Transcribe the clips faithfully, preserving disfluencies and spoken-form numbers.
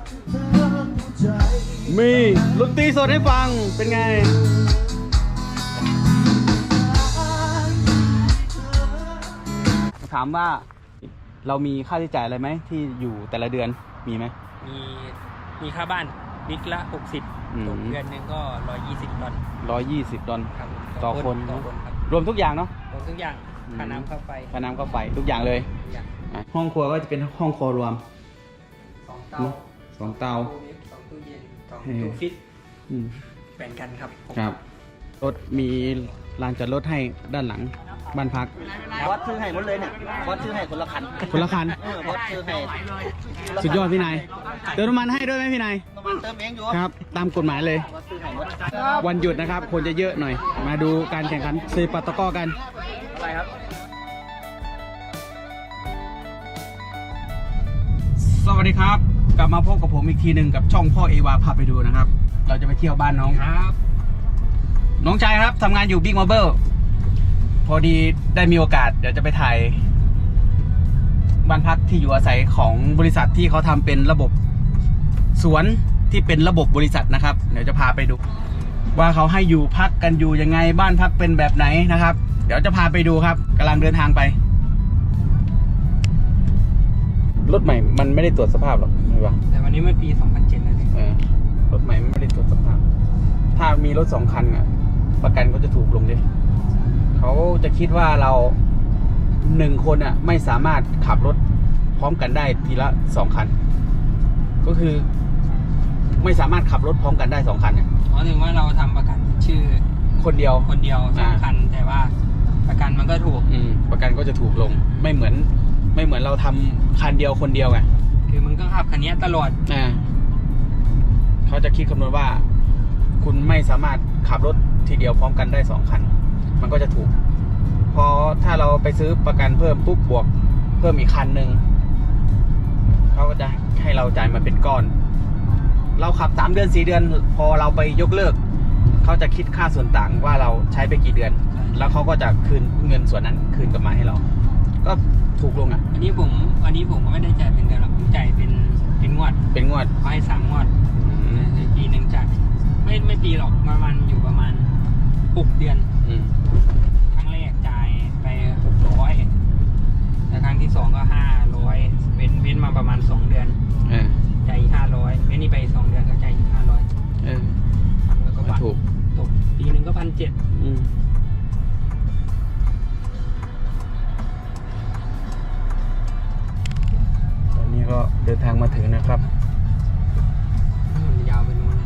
มีดนตรีสดให้ฟังเป็นไงถามว่าเรามีค่าใช้จ่ายอะไรไหมที่อยู่แต่ละเดือนมีไหมมีมีค่าบ้านวิกละหกสิบตกเดือนหนึงก็ร้อยยี่สิบดอลร้อยยี่สิบดอลต่อคนต่อคนครับรวมทุกอย่างเนาะรวมทุกอย่างค่าน้ำค่าไฟค่าน้ำค่าไฟทุกอย่างเลยห้องครัวก็จะเป็นห้องครัวรวมสองเตาสองเตาสองตู้เย็นสองตู้ฟิตแบ่งกันครับครับรถมีลานจอดรถให้ด้านหลังบ้านพักวัดซื้อให้หมดเลยเนี่ยวัดซื้อให้คนละคันคนละคันวัดซื้อให้สุดยอดพี่นายเติมน้ำมันให้ด้วยไหมพี่นายน้ำมันเติมเองอยู่ครับตามกฎหมายเลยวันหยุดนะครับคนจะเยอะหน่อยมาดูการแข่งขันซีปัตตะก้อกันอะไรครับสวัสดีครับกลับมาพบกับผมอีกทีหนึ่งกับช่องพ่อเอวาพาไปดูนะครับเราจะไปเที่ยวบ้านน้องครับน้องชายครับทำงานอยู่บิ๊กมาร์เบิลพอดีได้มีโอกาสเดี๋ยวจะไปถ่ายบ้านพักที่อยู่อาศัยของบริษัทที่เขาทำเป็นระบบสวนที่เป็นระบบบริษัทนะครับเดี๋ยวจะพาไปดูว่าเขาให้อยู่พักกันอยู่ยังไงบ้านพักเป็นแบบไหนนะครับเดี๋ยวจะพาไปดูครับกำลังเดินทางไปรถใหม่มันไม่ได้ตรวจสภาพหรอกใช่ปะแต่วันนี้มันปีสองพันเจ็ดแล้วเนี่ยรถใหม่ไม่ได้ตรวจสภาพถ้ามีรถสองคันอ่ะประกันก็จะถูกลงดิเขาจะคิดว่าเราหนึ่งคนอ่ะไม่สามารถขับรถพร้อมกันได้ทีละสองคันก็คือไม่สามารถขับรถพร้อมกันได้สองคันเนี่ยอ๋อถึงว่าเราทำประกันชื่อคนเดียวคนเดียวสองคันแต่ว่าประกันมันก็ถูกอืมประกันก็จะถูกลงไม่เหมือนไม่เหมือนเราทำคันเดียวคนเดียวไงคือมึงต้องขับคันนี้ตลอดอ่าเขาจะคิดคำนวณว่าคุณไม่สามารถขับรถทีเดียวพร้อมกันได้สองคันมันก็จะถูกพอถ้าเราไปซื้อประกันเพิ่มปุ๊บบวกเพิ่มอีกคันหนึ่งเขาก็จะให้เราจ่ายมาเป็นก้อนเราขับสามเดือนสี่เดือนพอเราไปยกเลิกเขาจะคิดค่าส่วนต่างว่าเราใช้ไปกี่เดือนแล้วเขาก็จะคืนเงินส่วนนั้นคืนกลับมาให้เราก็ถูกลงอ่ะอันนี้ผมอันนี้ผมก็ไม่ได้จ่ายเป็นเดือนหรอกผมจ่ายเป็นเป็นงวดเป็นงวดเขาให้สามงวดปีหนึ่งจ่ายไม่ไม่ปีหรอกประมาณอยู่ประมาณหกเดือนครั้งแรกจ่ายไปหกร้อยแต่ครั้งที่สองก็ห้าร้อยเว้นเว้นมาประมาณสองเดือนจ่ายห้าร้อยเว้นนี่ไปสองเดือนก็จ่ายห้าร้อยพันแล้วก็บาทถูกตกปีหนึ่งก็พันเจ็ดตอนนี้ก็เดินทางมาถึงนะครับยาวไปนู้น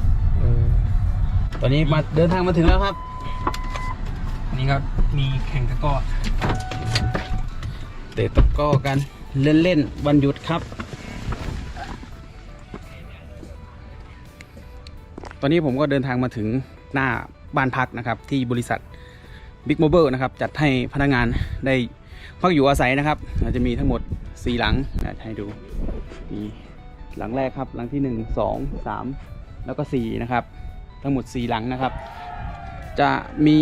ตอนนี้มาเดินทางมาถึงแล้วครับนี่ก็มีแข่งตะก้อเตะตะก้อกันเล่นๆวันหยุดครับตอนนี้ผมก็เดินทางมาถึงหน้าบ้านพักนะครับที่บริษัทบิ๊กโมเบิลนะครับจัดให้พนักงานได้พักอยู่อาศัยนะครับจะมีทั้งหมดสี่หลังให้ดูมีหลังแรกครับหลังที่หนึ่ง สอง สามแล้วก็สี่นะครับทั้งหมดสี่หลังนะครับจะมี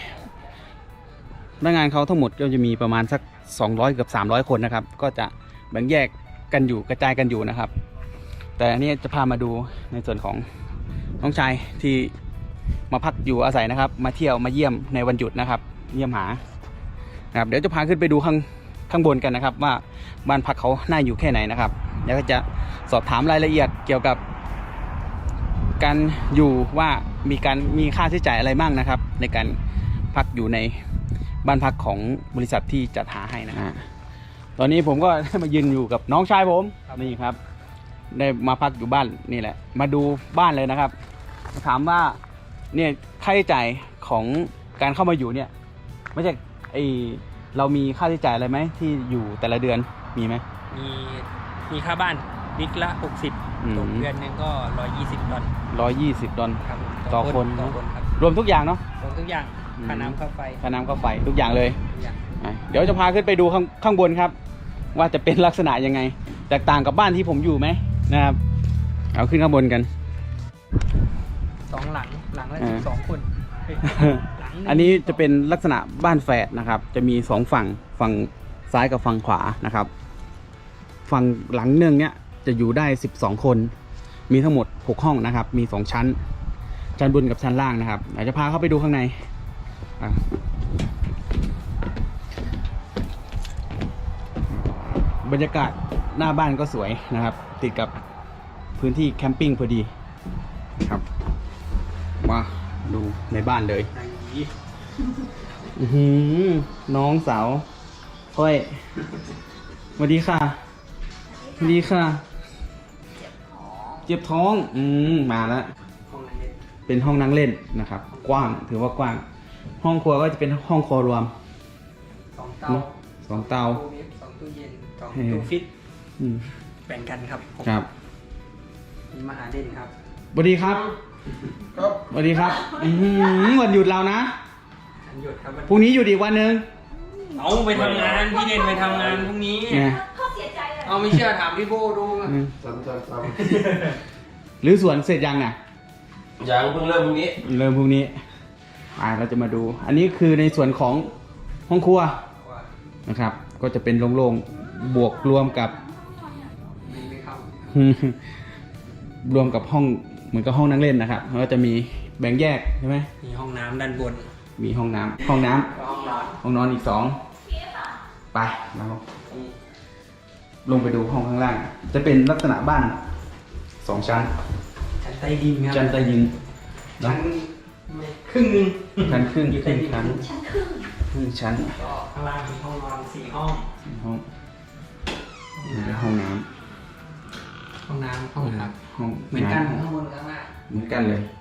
พนักงานเขาทั้งหมดก็จะมีประมาณสักสองร้อยเกือบสามร้อยคนนะครับก็จะแบ่งแยกกันอยู่กระจายกันอยู่นะครับแต่อันนี้จะพามาดูในส่วนของน้องชายที่มาพักอยู่อาศัยนะครับมาเที่ยวมาเยี่ยมในวันหยุดนะครับเยี่ยมหานะครับเดี๋ยวจะพาขึ้นไปดูข้างข้างบนกันนะครับว่าบ้านพักเขาน่าอยู่แค่ไหนนะครับแล้วก็จะสอบถามรายละเอียดเกี่ยวกับการอยู่ว่ามีการมีค่าใช้จ่ายอะไรบ้างนะครับในการพักอยู่ในบ้านพักของบริษัทที่จัดหาให้นะฮะตอนนี้ผมก็ได้มายืนอยู่กับน้องชายผมนี่ครับได้มาพักอยู่บ้านนี่แหละมาดูบ้านเลยนะครับถามว่าเนี่ยค่าใช้จ่ายของการเข้ามาอยู่เนี่ยไม่ใช่ไอเรามีค่าใช้จ่ายอะไรไหมที่อยู่แต่ละเดือนมีไหมมีมีค่าบ้านวิกละหกสิบตกเดือนหนึงก็ร้อยยี่สิบดอลร้อยยี่สิบดอลต่อคนรวมทุกอย่างเนาะรวมทุกอย่างค่าน้ำค่าไฟค่าน้ำค่าไฟทุกอย่างเลยเดี๋ยวจะพาขึ้นไปดูข้างข้างบนครับว่าจะเป็นลักษณะยังไงแตกต่างกับบ้านที่ผมอยู่ไหมนะครับเอาขึ้นข้างบนกันสองหลังหลังละสิบสองคนอันนี้จะเป็นลักษณะบ้านแฝดนะครับจะมีสองฝั่งฝั่งซ้ายกับฝั่งขวานะครับฝั่งหลังหนึ่งเนี้ยจะจะอยู่ได้สิบสองคนมีทั้งหมดหกห้องนะครับมีสองชั้นชั้นบนกับชั้นล่างนะครับเดี๋ยวจะพาเข้าไปดูข้างในอ่ะบรรยากาศหน้าบ้านก็สวยนะครับติดกับพื้นที่แคมปิ้งพอดีครับมาดูในบ้านเลยอื้อหือน้องสาวก้อยสวัสดีค่ะสวัสดีค่ะเจ็บท้องอืมมาแล้วเป็นห้องนั่งเล่นนะครับกว้างถือว่ากว้างห้องครัวก็จะเป็นห้องครัวรวมสองเตาสองเตาตู้เวฟสองตู้เย็นสองตู้ฟิตอืมแบ่งกันครับผมครับมีมหาเด่นครับสวัสดีครับครับสวัสดีครับอื้อหือวันหยุดเรานะวันหยุดครับวันพรุ่งนี้หยุดอีกวันหนึ่งเอาไปทำงานพี่เด่นไปทำงานพรุ่งนี้ไงเอาไม่เชื่อถามพี่โบดูอืมซ้ำซ้ำซ้หรือสวนเสร็จยังอ่ะำยังเพิ่งเริ่มพรุ่งนี้เริ่มพรุ่งนี้อ่าเราจะมาดู อันนี้คือในส่วนของห้องครัวนะครับ ก็จะเป็นโล่งๆบวกรวมกับดีไหมครับรวมกับห้องเหมือนกับห้องนั่งเล่นนะครับแล้วก็จะมีแบ่งแยกใช่ไหมมีห้องน้ำด้านบนมีห้องน้ำห้องน้ำแล้วห้องนอนห้องนอนอีกสองไปเราลงไปดูห้องข้างล่าง จะเป็นลักษณะบ้านสองชั้นชั้นใต้ดินครับชั้นใต้ดินชั้นครึ่งหนึงชั้นครึ่งอยู่คใต้รึ่งดินชั้นครึ่งชั้นก็ข้างล่างมีห้องนอนสี่ห้องห้องนี่เป็นห้องน้ห้องน้ำห้องน้ำห้องำเหมือนกันำข้างบนข้างล่างเหมือนกันเลย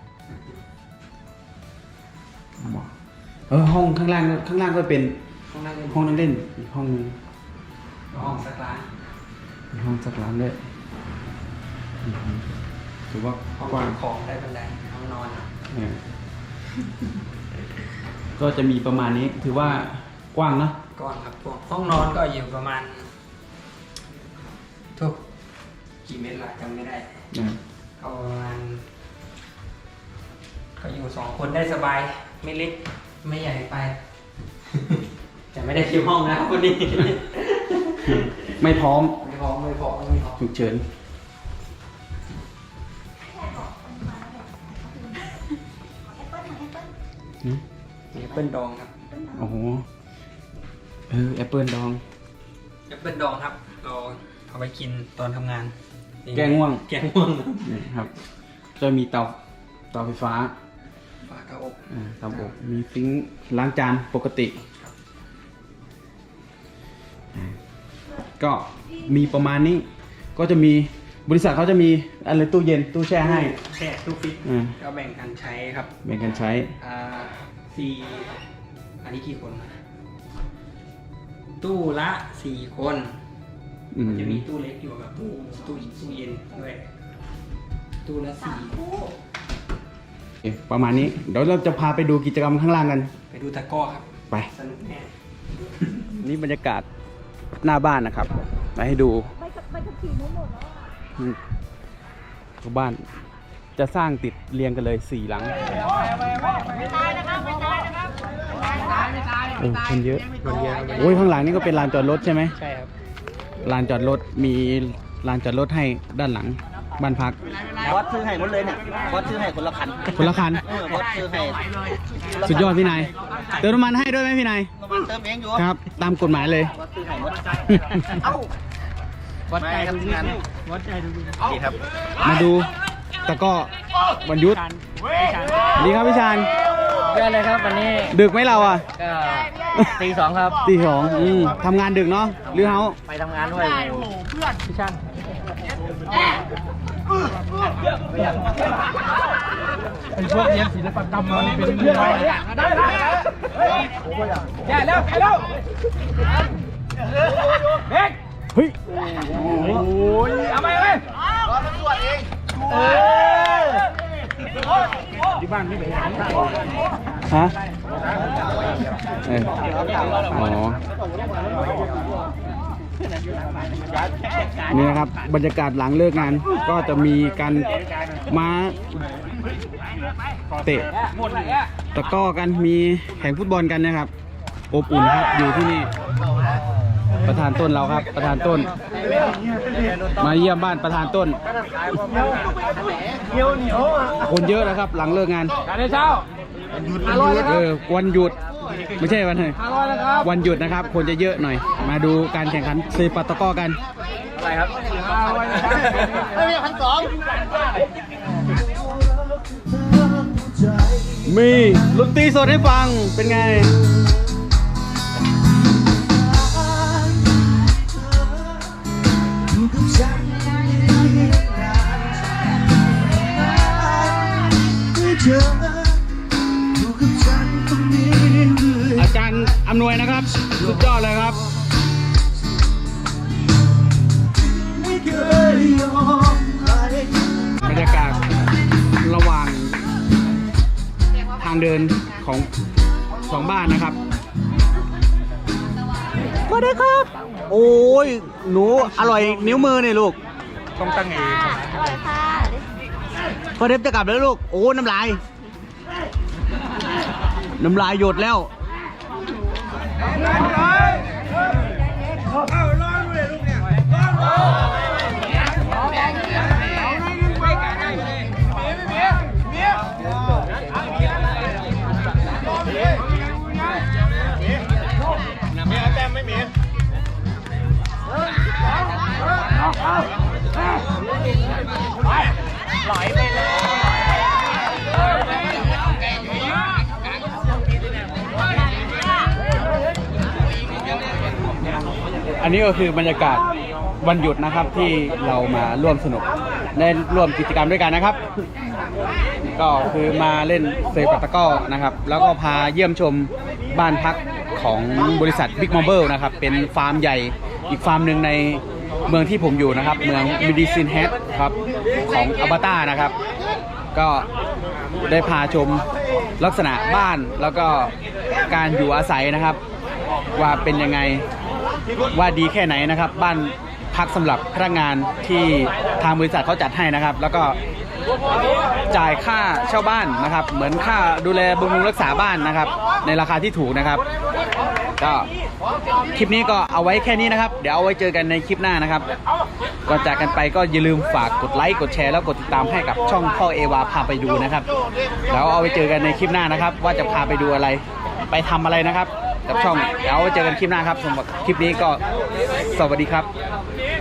เออห้องข้างล่างข้างล่างก็เป็นห้องนั่งเล่นห้องนั่งเล่นอีกห้องนึงห้องสักร้านมีห้องสักร้านด้วยอือหือถือว่าห้องกว้างเก็บของได้บันไดห้องนอนอะเนี่ยก็จะมีประมาณนี้ถือว่ากว้างเนอะก่อนครับพวกห้องนอนก็อยู่ประมาณทุกกี่เมตรละจำไม่ได้นะก็ประมาณก็อยู่สองคนได้สบายไม่เล็กไม่ใหญ่ไป แต่ไม่ได้คิวห้องนะคนนี้ไม่พร้อมไม่พอไม่พอไม่พอฉุกเฉิน หืมมีแอปเปิลดองครับโอ้โหเออแอปเปิลดองแอปเปิลดองครับเราเอาไปกินตอนทำงานแก้ง่วงแก้ง่วงนี่ครับ จะมีเตาเตาไฟฟ้าฝากระอบอ่าเตาอบมีซิงค์ล้างจานปกติอ่าก็มีประมาณนี้ ก็จะมีบริษัทเขาจะมีอะไรตู้เย็นตู้แช่ให้แช่ตู้ฟิตอ่าก็แบ่งกันใช้ครับแบ่งกันใช้อ่าสี่อันนี้กี่คน ตู้ละสี่คนอืมจะมีตู้เล็กอยู่กับตู้ตู้ตู้เย็นด้วยตู้ละสี่โอเคประมาณนี้ เดี๋ยวเราจะพาไปดูกิจกรรมข้างล่างกันไปดูตะกร้อครับไปสนุกแน่นี่บรรยากาศหน้าบ้านนะครับมาให้ดูไปกับไปกับขี่นู้นหมดแล้วอ่ะอืมตัวบ้านจะสร้างติดเรียงกันเลยสี่หลังไม่ตายนะครับไม่ตายนะครับไม่ตายไม่ตายโอ้คนเยอะคนเยอะโอ้ยข้างหลังนี่ก็เป็นลานจอดรถใช่ไหมใช่ครับลานจอดรถมีลานจอดรถให้ด้านหลังบ้านพักบอสซื้อให้หมดเลยเนี่ยบอสซื้อให้คนละคันคนละคันเออบอสซื้อให้สุดยอดพี่นายเติมน้ำมันให้ด้วยไหมพี่นายน้ำมันเติมเองอยู่ครับ ตามกฎหมายเลยบอสซื้อให้หมดเอ้าวัดใจทุกงานวัดใจดูดีนี่ครับมาดูตะกร้อวันยุทธดีครับพี่ชานเยอะเลยครับวันนี้ดึกไหมเราอ่ะก็ตีสองครับตีสองอืมทำงานดึกเนาะหรือเฮาไปทำงานด้วยพี่ช่างไอ้พวกเรียนศิลปกรรมมันเป็นเรื่องอะไรได้ได้แย่แล้วแย่แล้วเด็กเฮ้ยโอ้ยเอาไปเลยรอตำรวจเองเออที่บ้านไม่ไปหาฮะเอออ๋อนี่นะครับบรรยากาศหลังเลิกงานก็จะมีการมาเตะตะกร้อกันมีแข่งฟุตบอลกันนะครับอบอุ่นครับอยู่ที่นี่ประธานต้นเราครับ ประธานต้น มาเยี่ยมบ้านประธานต้น คนเยอะนะครับ หลังเลิกงานการได้เช้าเออวันหยุดไม่ใช่วันไหนห้าร้อยนะครับวันหยุดนะครับ คนจะเยอะหน่อย มาดูการแข่งขันเซปัตตะกร้อกันอะไรครับห้าร้อยนะครับไม่มีพันสองมีดนตรีสดให้ฟังเป็นไง อาจารย์อำนวยนะครับ สุดยอดเลยครับ บรรยากาศระหว่างทางเดินของสองบ้านนะครับสวัสดีครับ โอ้ยหนูอร่อยนิ้วมือเนี่ยลูกต้องตั้งเองอร่อยค่ะพอเทปจะกลับแล้วลูก โอ้น้ำลาย น้ำลายหยดแล้ว อันนี้ก็คือบรรยากาศวันหยุดนะครับที่เรามาร่วมสนุกได้ร่วมกิจกรรมด้วยกันนะครับ ก็คือมาเล่นเซปัตตะกร้อนะครับ แล้วก็พาเยี่ยมชมบ้านพักของบริษัท Big Marble นะครับ เป็นฟาร์มใหญ่อีกฟาร์มหนึ่งในเมืองที่ผมอยู่นะครับ เมือง Medicine Hat ครับของอัลบาต้านะครับ ก็ได้พาชมลักษณะบ้านแล้วก็การอยู่อาศัยนะครับ ว่าเป็นยังไงว่าดีแค่ไหนนะครับ บ้านพักสำหรับพนักงานที่ทางบริษัทเขาจัดให้นะครับ แล้วก็จ่ายค่าเช่าบ้านนะครับ เหมือนค่าดูแลบำรุงรักษาบ้านนะครับ ในราคาที่ถูกนะครับ ก็คลิปนี้ก็เอาไว้แค่นี้นะครับ เดี๋ยวเอาไว้เจอกันในคลิปหน้านะครับก่อนจากกันไปก็อย่าลืมฝากกดไลค์กดแชร์แล้วกดติดตามให้กับช่องพ่อเอวาพาไปดูนะครับแล้วเอาไว้เจอกันในคลิปหน้านะครับ ว่าจะพาไปดูอะไรไปทำอะไรนะครับกับช่องเดี๋ยวเอาไว้เจอกันคลิปหน้าครับสำหรับคลิปนี้ก็สวัสดีครับ